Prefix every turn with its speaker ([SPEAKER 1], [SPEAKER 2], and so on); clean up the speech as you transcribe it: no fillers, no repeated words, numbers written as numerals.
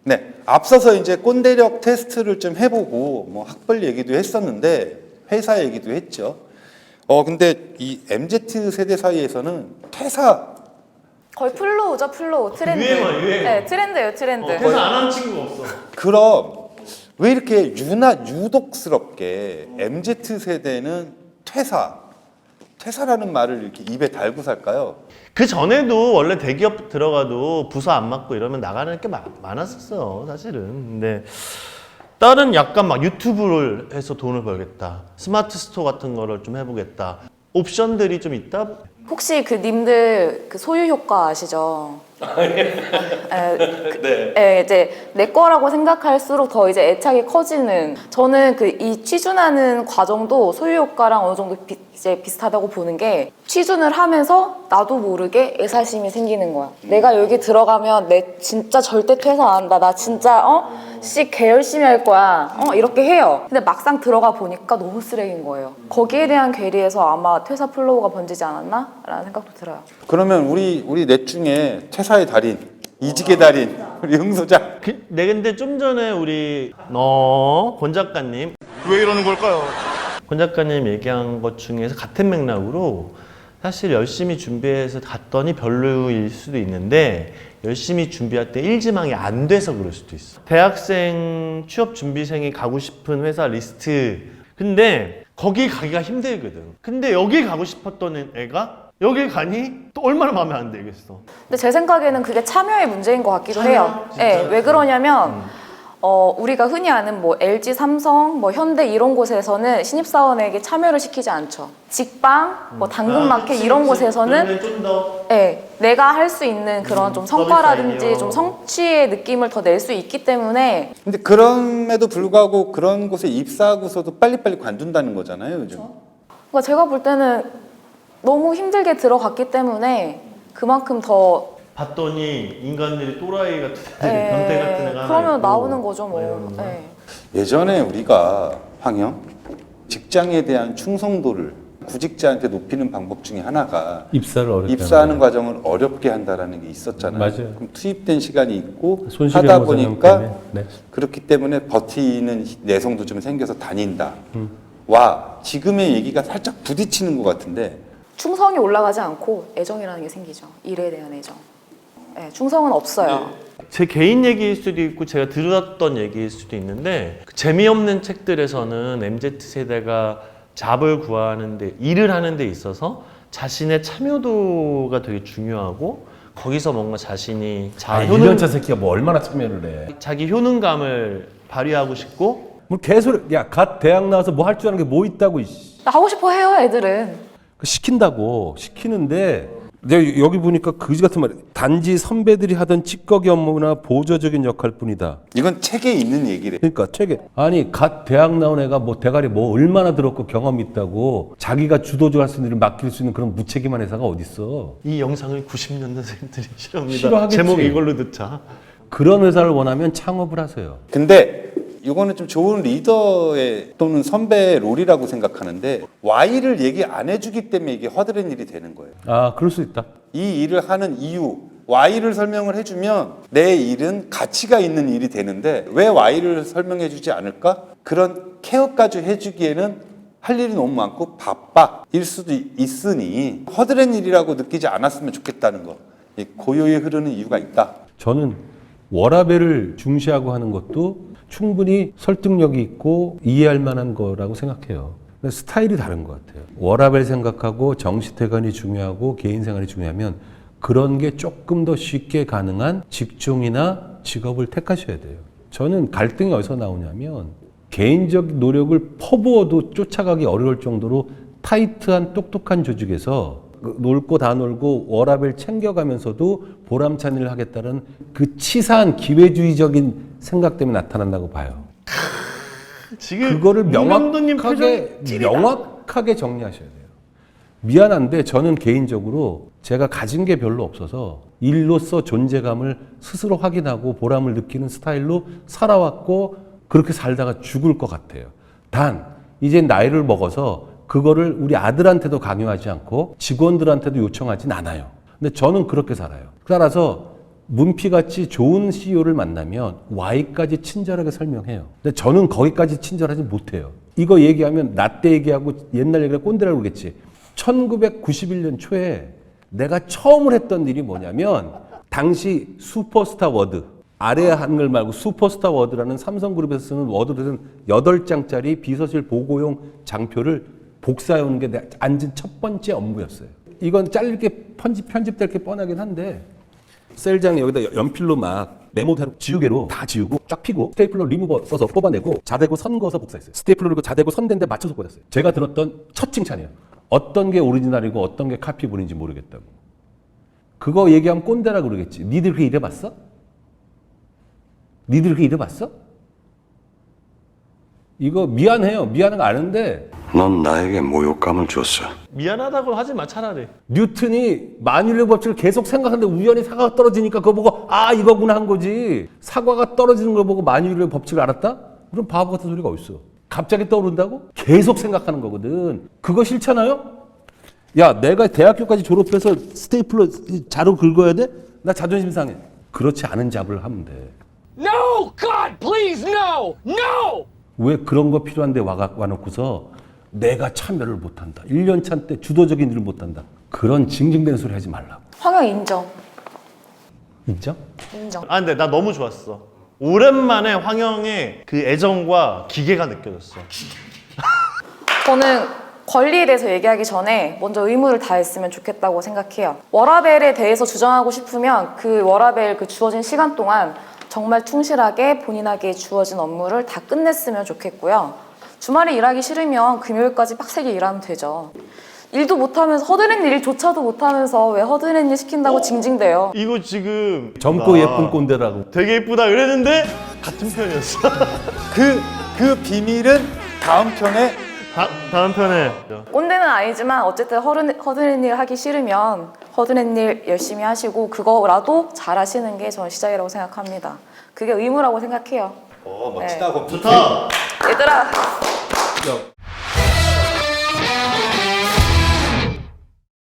[SPEAKER 1] 네, 앞서서 이제 꼰대력 테스트를 좀 해보고 뭐 학벌 얘기도 했었는데 회사 얘기도 했죠. 근데 이 MZ 세대 사이에서는 퇴사
[SPEAKER 2] 거의 플로우죠, 플로우. 트렌드.
[SPEAKER 3] 유행어.
[SPEAKER 2] 네, 트렌드예요, 트렌드.
[SPEAKER 3] 그래서 안 한 친구가 없어.
[SPEAKER 1] 그럼 왜 이렇게 유독스럽게 MZ 세대는 퇴사라는 말을 이렇게 입에 달고 살까요?
[SPEAKER 3] 그 전에도 원래 대기업 들어가도 부서 안 맡고 이러면 나가는 게 많았었어요, 사실은. 근데 다른 약간 막 유튜브를 해서 돈을 벌겠다, 스마트 스토어 같은 거를 좀 해보겠다, 옵션들이 좀 있다.
[SPEAKER 2] 혹시 그 님들 그 소유 효과 아시죠? 네, 이제 내 거라고 생각할수록 더 이제 애착이 커지는. 저는 그 이 취준하는 과정도 소유 효과랑 어느 정도 이제 비슷하다고 보는 게, 취준을 하면서 나도 모르게 애사심이 생기는 거야. 내가 여기 들어가면 내 진짜 절대 퇴사 안 한다. 나 진짜 개 열심히 할 거야. 이렇게 해요. 근데 막상 들어가 보니까 너무 쓰레기인 거예요. 거기에 대한 괴리에서 아마 퇴사 플로우가 번지지 않았나? 라는 생각도 들어요.
[SPEAKER 1] 그러면 우리 넷 중에 퇴사의 달인, 이직의 달인, 우리 흥 소장.
[SPEAKER 3] 네, 근데 좀 전에 우리 권 작가님,
[SPEAKER 4] 왜 이러는 걸까요?
[SPEAKER 3] 권 작가님 얘기한 것 중에서 같은 맥락으로 사실 열심히 준비해서 갔더니 별로일 수도 있는데, 열심히 준비할 때 일지망이 안 돼서 그럴 수도 있어. 대학생 취업 준비생이 가고 싶은 회사 리스트, 근데 거기 가기가 힘들거든. 근데 여기 가고 싶었던 애가 여기 가니 또 얼마나 마음에 안 들겠어.
[SPEAKER 2] 근데 제 생각에는 그게 참여의 문제인 것 같기도 해요. 네, 왜 그러냐면 우리가 흔히 아는 뭐 LG, 삼성, 뭐 현대 이런 곳에서는 신입사원에게 참여를 시키지 않죠. 직방, 뭐 당근마켓 이런 곳에서는
[SPEAKER 3] 좀 더
[SPEAKER 2] 네, 내가 할 수 있는 그런 좀 성과라든지 좀 성취의 느낌을 더 낼 수 있기 때문에.
[SPEAKER 1] 근데 그럼에도 불구하고 그런 곳에 입사하고서도 빨리빨리 관둔다는 거잖아요, 요즘.
[SPEAKER 2] 그러니까 제가 볼 때는 너무 힘들게 들어갔기 때문에 그만큼 더
[SPEAKER 3] 봤더니 인간들이 또라이 같은 애, 변태 같은 애가 하나
[SPEAKER 2] 그러면
[SPEAKER 3] 있고.
[SPEAKER 2] 나오는 거죠 뭐. 네.
[SPEAKER 1] 예전에 우리가 황영 직장에 대한 충성도를 구직자한테 높이는 방법 중에 하나가
[SPEAKER 5] 입사를 어렵게
[SPEAKER 1] 입사하는 과정을 어렵게 한다라는 게 있었잖아요.
[SPEAKER 5] 맞아요.
[SPEAKER 1] 그럼 투입된 시간이 있고
[SPEAKER 5] 손실의
[SPEAKER 1] 하다
[SPEAKER 5] 보상
[SPEAKER 1] 보니까
[SPEAKER 5] 때문에. 네.
[SPEAKER 1] 그렇기 때문에 버티는 내성도 좀 생겨서 다닌다. 와 지금의 얘기가 살짝 부딪히는 것 같은데.
[SPEAKER 2] 충성이 올라가지 않고 애정이라는 게 생기죠. 일에 대한 애정. 네, 충성은 없어요.
[SPEAKER 3] 제 개인 얘기일 수도 있고 제가 들었던 얘기일 수도 있는데, 그 재미없는 책들에서는 MZ세대가 잡을 구하는데, 일을 하는 데 있어서 자신의 참여도가 되게 중요하고, 거기서 뭔가 자신이
[SPEAKER 5] 1년차 새끼가 뭐 얼마나 참여를 해.
[SPEAKER 3] 자기 효능감을 발휘하고 싶고.
[SPEAKER 5] 뭐 개소리. 야, 갓 대학 나와서 뭐 할 줄 아는 게 뭐 있다고.
[SPEAKER 2] 하고 싶어 해요, 애들은.
[SPEAKER 5] 시킨다고 시키는데, 내가 여기 보니까 그지 같은 말. 단지 선배들이 하던 찌꺼기 업무나 보조적인 역할 뿐이다.
[SPEAKER 1] 이건 책에 있는 얘기래.
[SPEAKER 5] 그러니까 책에, 아니 갓 대학 나온 애가 뭐 대가리 뭐 얼마나 들었고 경험이 있다고 자기가 주도적으로 할 수 있는 일을 맡길 수 있는 그런 무책임한 회사가 어딨어.
[SPEAKER 3] 이 영상을 90년대생들이 싫어합니다.
[SPEAKER 5] 싫어하겠지.
[SPEAKER 3] 제목 이걸로 듣자.
[SPEAKER 5] 그런 회사를 원하면 창업을 하세요.
[SPEAKER 1] 근데 이거는 좀 좋은 리더의 또는 선배의 롤이라고 생각하는데, Y를 얘기 안 해주기 때문에 이게 허드렛 일이 되는 거예요.
[SPEAKER 5] 아, 그럴 수 있다.
[SPEAKER 1] 이 일을 하는 이유, Y를 설명을 해주면 내 일은 가치가 있는 일이 되는데 왜 Y를 설명해주지 않을까? 그런 케어까지 해주기에는 할 일이 너무 많고 바빠 일 수도 있으니 허드렛 일이라고 느끼지 않았으면 좋겠다는 거. 이 고요히 흐르는 이유가 있다.
[SPEAKER 5] 저는 워라밸을 중시하고 하는 것도 충분히 설득력이 있고 이해할 만한 거라고 생각해요. 근데 스타일이 다른 것 같아요. 워라밸 생각하고 정시퇴근이 중요하고 개인생활이 중요하면 그런 게 조금 더 쉽게 가능한 직종이나 직업을 택하셔야 돼요. 저는 갈등이 어디서 나오냐면, 개인적 노력을 퍼부어도 쫓아가기 어려울 정도로 타이트한 똑똑한 조직에서 놀고 다 놀고 워라밸 챙겨가면서도 보람찬 일을 하겠다는 그 치사한 기회주의적인 생각 때문에 나타난다고 봐요.
[SPEAKER 3] 지금
[SPEAKER 5] 그거를
[SPEAKER 3] 문감독님
[SPEAKER 5] 명확하게 정리하셔야 돼요. 미안한데 저는 개인적으로 제가 가진 게 별로 없어서 일로서 존재감을 스스로 확인하고 보람을 느끼는 스타일로 살아왔고, 그렇게 살다가 죽을 것 같아요. 단 이제 나이를 먹어서 그거를 우리 아들한테도 강요하지 않고 직원들한테도 요청하진 않아요. 근데 저는 그렇게 살아요. 따라서 문피같이 좋은 CEO를 만나면 Y까지 친절하게 설명해요. 근데 저는 거기까지 친절하지 못해요. 이거 얘기하면 나 때 얘기하고 옛날 얘기를 꼰대라고 그러겠지. 1991년 초에 내가 처음으로 했던 일이 뭐냐면 당시 슈퍼스타 워드, 아래 한글 말고 슈퍼스타 워드라는 삼성그룹에서 쓰는 워드로는 8장짜리 비서실 보고용 장표를 복사해오는 게 내가 앉은 첫 번째 업무였어요. 이건 잘릴게 편집될 게 뻔하긴 한데 셀장에 여기다 연필로 막 메모대로 지우개로 다 지우고 쫙 피고 스테이플러 리무버 써서 뽑아내고 자대고 선 그어서 복사했어요. 스테이플러로 자대고 선대인데 맞춰서 꽂았어요. 제가 들었던 첫 칭찬이에요. 어떤 게 오리지널이고 어떤 게 카피본인지 모르겠다고. 그거 얘기하면 꼰대라 그러겠지. 니들 그렇게 일해봤어? 니들 그렇게 일해봤어? 이거 미안해요. 미안한 거 아는데
[SPEAKER 4] 넌 나에게 모욕감을 줬어.
[SPEAKER 3] 미안하다고 하지 마 차라리.
[SPEAKER 5] 뉴턴이 만유인력 법칙을 계속 생각하는데 우연히 사과가 떨어지니까 그거 보고 아 이거구나 한 거지. 사과가 떨어지는 걸 보고 만유인력 법칙을 알았다? 그럼 바보 같은 소리가 어딨어. 갑자기 떠오른다고? 계속 생각하는 거거든. 그거 싫잖아요? 야 내가 대학교까지 졸업해서 스테이플러 자로 긁어야 돼? 나 자존심 상해. 그렇지 않은 잡을 하면 돼.
[SPEAKER 6] No! God, please, no! No!
[SPEAKER 5] 왜 그런 거 필요한데 와놓고서 내가 참여를 못한다. 1년 차 때 주도적인 일을 못한다. 그런 징징대는 소리 하지 말라고.
[SPEAKER 2] 황영 인정.
[SPEAKER 5] 인정?
[SPEAKER 2] 인정.
[SPEAKER 3] 아 근데 나 너무 좋았어. 오랜만에 황영의 그 애정과 기계가 느껴졌어.
[SPEAKER 2] 저는 권리에 대해서 얘기하기 전에 먼저 의무를 다했으면 좋겠다고 생각해요. 워라밸에 대해서 주장하고 싶으면 그 워라밸 그 주어진 시간 동안 정말 충실하게 본인에게 주어진 업무를 다 끝냈으면 좋겠고요. 주말에 일하기 싫으면 금요일까지 빡세게 일하면 되죠. 일도 못하면서 허드렛 일조차도 못하면서 왜 허드렛 일 시킨다고 징징대요.
[SPEAKER 3] 이거 지금
[SPEAKER 5] 젊고
[SPEAKER 3] 나
[SPEAKER 5] 예쁜 꼰대라고.
[SPEAKER 3] 되게 예쁘다 그랬는데 같은 편이었어.
[SPEAKER 1] 그 비밀은 다음 편에
[SPEAKER 3] 다음 편에
[SPEAKER 2] 꼰대는 아니지만 어쨌든 허드렛 일 하기 싫으면 허드렛 일 열심히 하시고 그거라도 잘 하시는 게 저는 시작이라고 생각합니다. 그게 의무라고 생각해요.
[SPEAKER 1] 멋지다.
[SPEAKER 3] 좋다.
[SPEAKER 2] 얘들아